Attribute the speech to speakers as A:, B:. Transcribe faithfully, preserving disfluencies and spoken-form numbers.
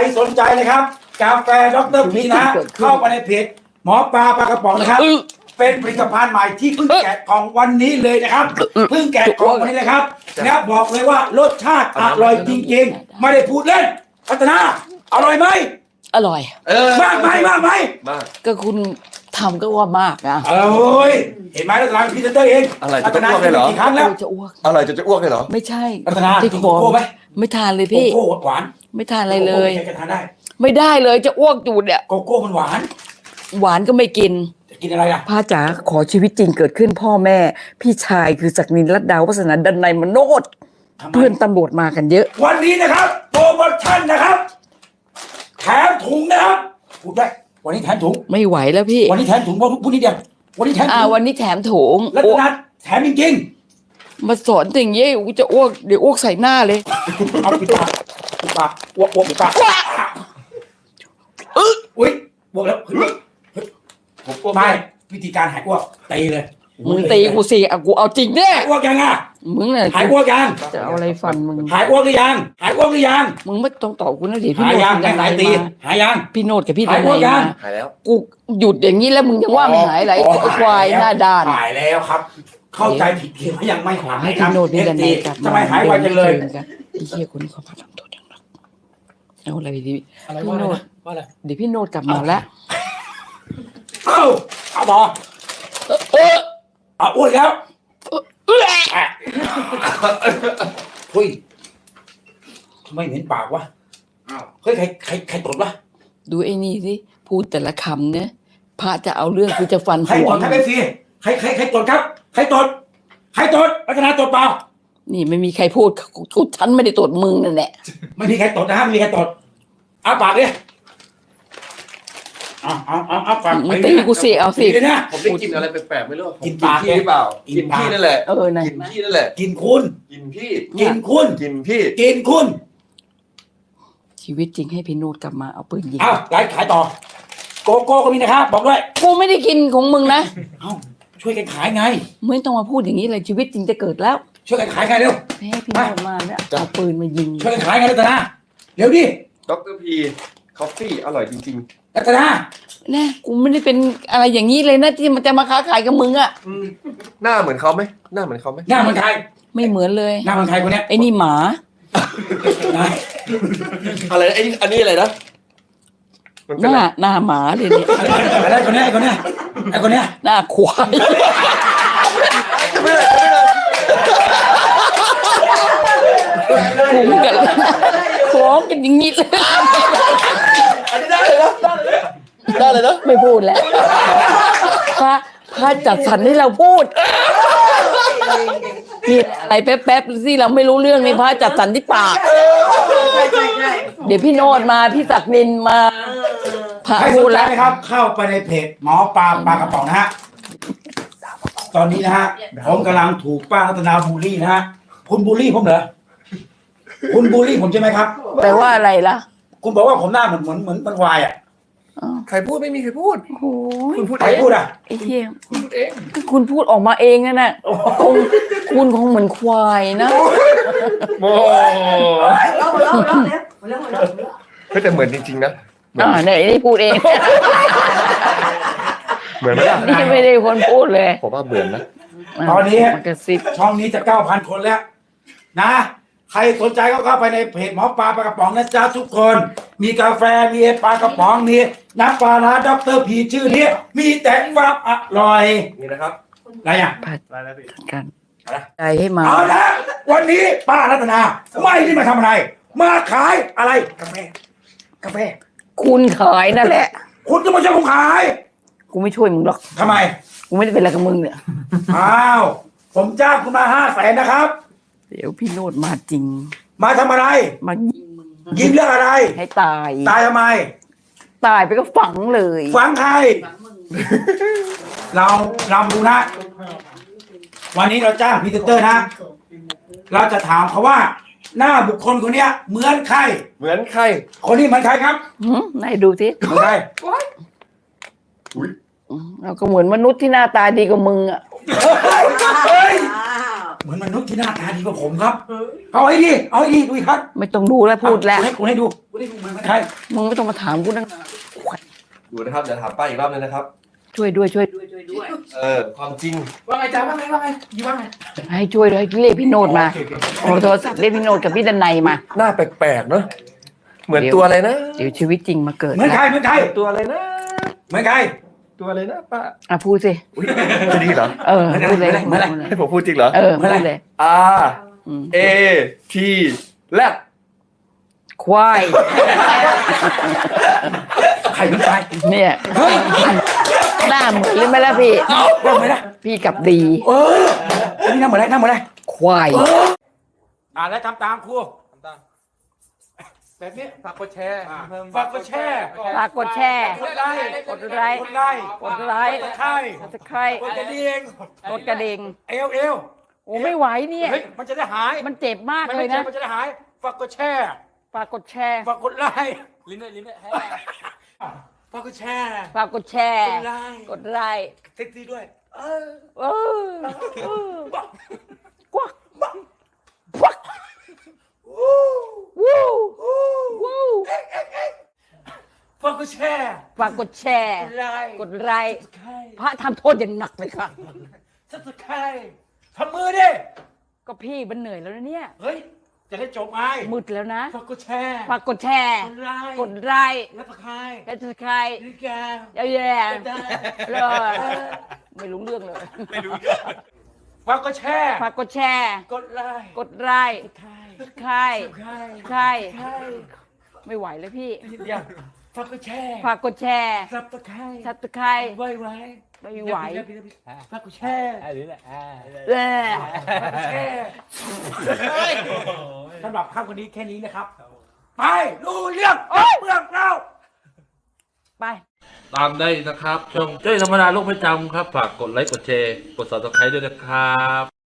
A: สนใจนะครับกาแฟดรพีนะเข้าไปในเพจหมอปลาปลากระป๋องนะครับเป็นผลิตภัณฑ์ใหม่ที่เพิ่งแกะกล่องวันนี้เลยนะครับเพิ่งแกะกล่องวันนี้เลยครับแล้วบอกเลยว่ารสชาติอร่อยจริงๆไม่ได้พูดเล่นพัฒนาอร่อยไหม
B: อร่อย
A: มากไหมมากไหม
C: มาก
B: ก็คุณทำก็ว่ามากนะ
A: เอ้ยเห็นไหมรัตนาพรีเซนเตอร์เอง
C: อะไรจะอ้วกเลยเหรอ
A: กี่ครั้งแล้ว
B: จะอ้วก
C: อะไรจะจะอ้วกเลยเหรอ
B: ไม่ใช่
A: รัตนา
B: ที่คอไม่ทานเลยพี่
A: โกโก้หวาน
B: ไม่ทานอะไรเลย
A: จะทานได้
B: ไม่ได้เลยจะอ้วกจูดเนี่ย
A: โกโก้มันหวาน
B: หวานก็ไม่กิน
A: จะกินอะไรล่ะ
B: พ่อจ๋าขอชีวิตจริงเกิดขึ้นพ่อแม่พี่ชายคือศักดินรัตดาวัฒนาดันในมโนดเพื่อนตำรวจมากันเยอะ
A: วันนี้นะครับโปรโมชั่นนะครับแถมถุงนะครับพูดได้วันนี้แถมถุง
B: ไม่ไหวแล้วพี่
A: วันนี้แถมถุงเพราะพูดนิดเดียววันนี้แถม
B: อ่าวันนี้แถมถุง
A: รัตนาแถมจริง
B: ๆมาสอนอย่างเงี้ยกูจะอ้วกเดี๋ยวอ้วกใส่หน้าเลย
A: เอาปิดปากปิดปากอ้วกอ้วกปิดปากอุ้ยอ้วกแล้วไม่วิธีการหายอ้วกตีเลย
B: มึงตีกูสิอ่ะกูเอาจริงแน่
A: อ้วกยังอ่ะ
B: มึงเนี่ย
A: หายอ้วกยัง
B: จะเอาอะไรฟันมึง
A: หายอ้วกหรือยังหายอ้วกหรือยัง
B: มึงไม่ต้องตอบกูนะเดี๋ยวพี่
A: โนด
B: กัน
A: หายตีหายยัง
B: พี่โนดกับพี่
A: หายอ้วกยัง
C: หายแล้ว
B: กูหยุดอย่างนี้แล้วมึงยังว่าไม่หายอะไรควายหน้าด้าน
A: หายแล้วครับเข้าใจผิดเพียงว่ายังไม่หาย
B: ให้พี่โนดพี่ดันกลับ
A: ทำไมหายไวจังเลย
B: ไอ้เหี้ยคนนี้เขาพาทำตัวอย่างนั้นเอาอะไรดี
A: พี่โนดว่าอะไร
B: เดี๋ยวพี่โนดกลับมาแล้ว
A: เอ้าเอาบอเออเอาอ้วนแล้วเฮ้ยทำไมเห็นปากวะเฮ้ยใครใครใครตดวะ
B: ดูไอ้นี่สิพูดแต่ละคำเนี่ยพระจะเอาเรื่องกูจะฟันหัว
A: ใครตดใครเป็นฟีใครใครใครตดครับใครตดใครตดรัตนาตดเปล่า
B: นี่ไม่มีใครพูดกูฉันไม่ได้ตดมึงนั่นแหละ
A: ไม่มีใครตดนะฮะไม่มีใครตดเอาปากดิเอาเอาเอาเอาปาก
B: มึงตีกูสิเอาสิ
C: ผมได้กินอะไรแปลกๆไม่รู้กินปากหรือเปล่ากินพี่นั่นแหละ
B: เออกิ
C: นพี่นั่นแหละ
A: กินคุณ
C: กินพี่
A: กินคุณ
C: กินพี่
A: กินคุณ
B: ชีวิตจริงให้พี่โนดกลับมาเอาปืนยิง
A: เอาไลฟ์ขายต่อโกโก้ก็มีนะครับบอกด้วย
B: กูไม่ได้กินของมึงนะ
A: เอาช่วยกันขายไง
B: ไม่ต้องมาพูดอย่างนี้เลยชีวิตจริงจะเกิดแล้ว
A: ช่วยกันขายไงเร็ว
B: ให้พี่โนดมาเนี่ยเอาปืนมายิง
A: ช่วยกันขายไงรัตนาเร็วดิ
C: ดรพีคอฟฟี่อร่อยจริง
A: ๆรัตนา
B: แน่กูไม่ได้เป็นอะไรอย่างนี้เลยนะที่มันจะมาค้าขายกับมึงอ่ะ
C: หน้าเหมือนเขาไหมหน้าเหมือนเขาไหม
A: หน้าเหมือนใคร
B: ไม่เหมือนเลย
A: หน้าเหมือนใครคนนี้
B: ไอ้นี่หมา
C: อะไรไอ้อันนี้อะไรนะ
B: หน้าหน้าหมาเลยเนี่ย
A: อะไรคนนี้ไอ้คนนี้ไอ้คนนี้
B: หน้าควายคุ้มกันคล้องกันอย่างนี้เลย
C: อันนี้ได้เลยนะได้เลยนะ
B: ไม่พูดแล้วพระพระจัดสรรให้เราพูดนี่อะไรแป๊บๆสิเราไม่รู้เรื่องนี่พระจัดสรรที่ปากเดี๋ยวพี่โนดมาพี่ศักดินมา
A: พระพูดแล้วนะครับเข้าไปในเพจหมอปลาปลากระป๋องนะฮะตอนนี้นะฮะผมกำลังถูกป้ารัตนาบูลลี่นะฮะคุณบูลลี่ผมเหรอคุณบูลลี่ผมใช่ไหมครับ
B: แปลว่าอะไรล่ะ
A: คุณบอกว่าผมหน้าเหมือนเหมือนเหมือนมันวายอ่ะ
C: ใครพูดไม่มีใครพูด
B: โอ้ย
A: คุณพูดใครพูดอ่ะ
B: ไอ้เหี้ย
C: คุณพูดเอง
B: คุณพูดออกมาเองนั่นน่ะคุณคุณคงเหมือนควายนะ
C: โมก็แต่เหมือนจริงๆนะ
B: อ่าไหนได้พูดเอง
C: เหมือนไหมล่ะ
B: นี่ไม่ได้คนพูดเลย
C: ผมว่าเหมือนนะ
A: ตอนนี้ช่องนี้จะเก้าพันคนแล้วนะใครสนใจก็เข้าไปในเพจหมอปลาปลากระป๋องนะจ๊ะทุกคนมีกาแฟมีปลากระป๋องมีน้ำปลาร้าด็อกเตอร์พีชื่อนี้มีแต่ความอร่อย
C: นี่นะครับ
A: อะไรอ่ะ
B: อะไรกันใจให้มา
A: เอาละวันนี้ป้ารัตนาไม่ได้มาทำอะไรมาขายอะไรกาแฟกาแฟ
B: คุณขายนั่นแหละ
A: คุณจะมาช่วยผมขาย
B: กูไม่ช่วยมึงหรอก
A: ทำไม
B: กูไม่ได้เป็นอะไรกับมึงเนี่ย
A: อ้าวผมจ้างคุณมาห้าแสนนะครับ
B: เดี๋ยวพี่โนดมาจริง
A: มาทำอะไร
B: มายิงมึง
A: ยิงเรื่องอะไร
B: ให้ตาย
A: ตายทำไม
B: ตายไปก็ฝังเลย
A: ฝังใครเราเราดูนะวันนี้เราจ้างพรีเซนเตอร์นะเราจะถามเขาว่าหน้าบุคคลคนนี้เหมือนใคร
C: เหมือนใคร
A: คนนี้เหมือนใครครับ
B: ไหนดูสิ
A: เหมือนใคร
B: เราก็เหมือนมนุษย์ที่หน้าตาดีกว่ามึงอ่ะ
A: เหมือนมนุษย์ที่หน้าตาดีกว่าผมครับ เอาไอ้ดิเอาไอ้ดิดูอีกครับ
B: ไม่ต้องดูแล้วพูดแล้ว
A: ให้กูให้ดูกูให้ดูเหมือนใคร
B: มึงไม่ต้องมาถามกูนั่ง
C: ดูนะครับเดี๋ยวถามป้าอีกรอบนึงนะครับ
B: ช่วยด้วยช่วยด้วยช่วยด้วย
C: เออความจริง
A: ว่าไงจ้าว่าไงว่าไงอยู่ว่าไง
B: ให้ช่วยด้วยเรียกพี่โนดมาเอาโทรศัพท์เรียกพี่โนดกับพี่ดันไนมา
C: หน้าแปลกๆเนอะเหมือนตัวอะไรนะ
B: เดี๋ยวชีวิตจริงมาเกิด
A: เหมือนใคร
B: นะ
A: เหมือนใคร
C: ตัวอะไรนะ
A: เหมือนใคร
C: ตัวอะไรนะป้า
B: อ่ะพูดสิ
C: จะดีเหรอ
B: เออพูดเลย
A: เหมือนอะไร
C: ให้ผมพูดจริงเหรอ
B: เออพูดเลย
C: R
B: อืม
C: A T แลบ
B: ควาย
A: ใครเป็นใคร
B: เนี่ยหน้าเหมือนหรือไม่ล่ะพี่
A: เรื่องไหมนะ
B: พี่กลับดี
A: เออนี่นั่งเหมือนอะไรนั่งเหมือนอะไร
B: ควาย
A: อ่าแล้วทำตามครูแบบนี้
C: ฝากกดแชร์
A: ฝากกดแชร์
B: ฝากกดแชร์
A: กดไลค์
B: กดไลค์
A: กดไลค์
B: กดไลค์
A: กดไลค์
B: กดใคร
A: กดกระดิ่ง
B: กดกระดิ่ง
A: เอวเอว
B: โอ้ไม่ไหวเนี่ย
A: เฮ้ยมันจะได้หาย
B: มันเจ็บมาก
A: มัน
B: เล
A: ไม่
B: ย
A: เจ็
B: นะ
A: บมันจะได้หายฝากกดแชร์
B: ฝากกดแชร์
A: ฝากกดไลค์
C: ลิ้นด้วยลิ้นด้วย
A: ฝากกดแชร์
B: ฝากกดแชร์
A: กดไลค์
B: กดไลค์
A: เซ็กซี่ด้วย เออ
B: เออเออกวักกวักวู้วู้วู้
A: ฝากกดแชร์
B: ฝากกดแชร์
A: กดไลค์
B: กดไลค์
A: ใคร
B: พระทำโทษอย่างหนักเลยค่ะ
A: สับสไครทำมือดิ
B: ก็พี่มันเหนื่อยแล้วนะเนี่ย
A: เฮ้ย จะได้จบไง
B: มืดแล้วนะ
A: ฝากกดแชร์
B: ฝากกดแชร์
A: กดไลค์
B: กดไลค์
A: แล้วฝากใคร
B: และจะใคร
A: นี่แก
B: เยอะแยะ
A: ได้
B: เลยไม่รู้เรื่องเลย
A: ไม่รู้ฝากกดแชร์
B: ฝากกดแชร์
A: กดไลค์
B: กดไลค์
A: ใคร
B: ใคร
A: ใคร
B: ใคร
A: ใคร
B: ไม่ไหวเลยพี่
A: นิดเดียวฝากกดแชร์
B: ฝากกดแชร์
A: สับตะไคร้
B: ทับตะไคร้
A: ไว้ไว้
B: ไม่ไหว
A: ฝากกดแชร์
B: เออ
A: ฝากกดแชร์สำหรับค่ำวันนี้แค่นี้นะครับ ไปดูเรื่องเรื่องเรา
B: ไป
D: ตามได้นะครับ ช่องเจ้ยธรรมดาโลกประจำครับ ฝากกดไลค์ กดแชร์ กด ซับสไครบ์ ด้วยนะครับ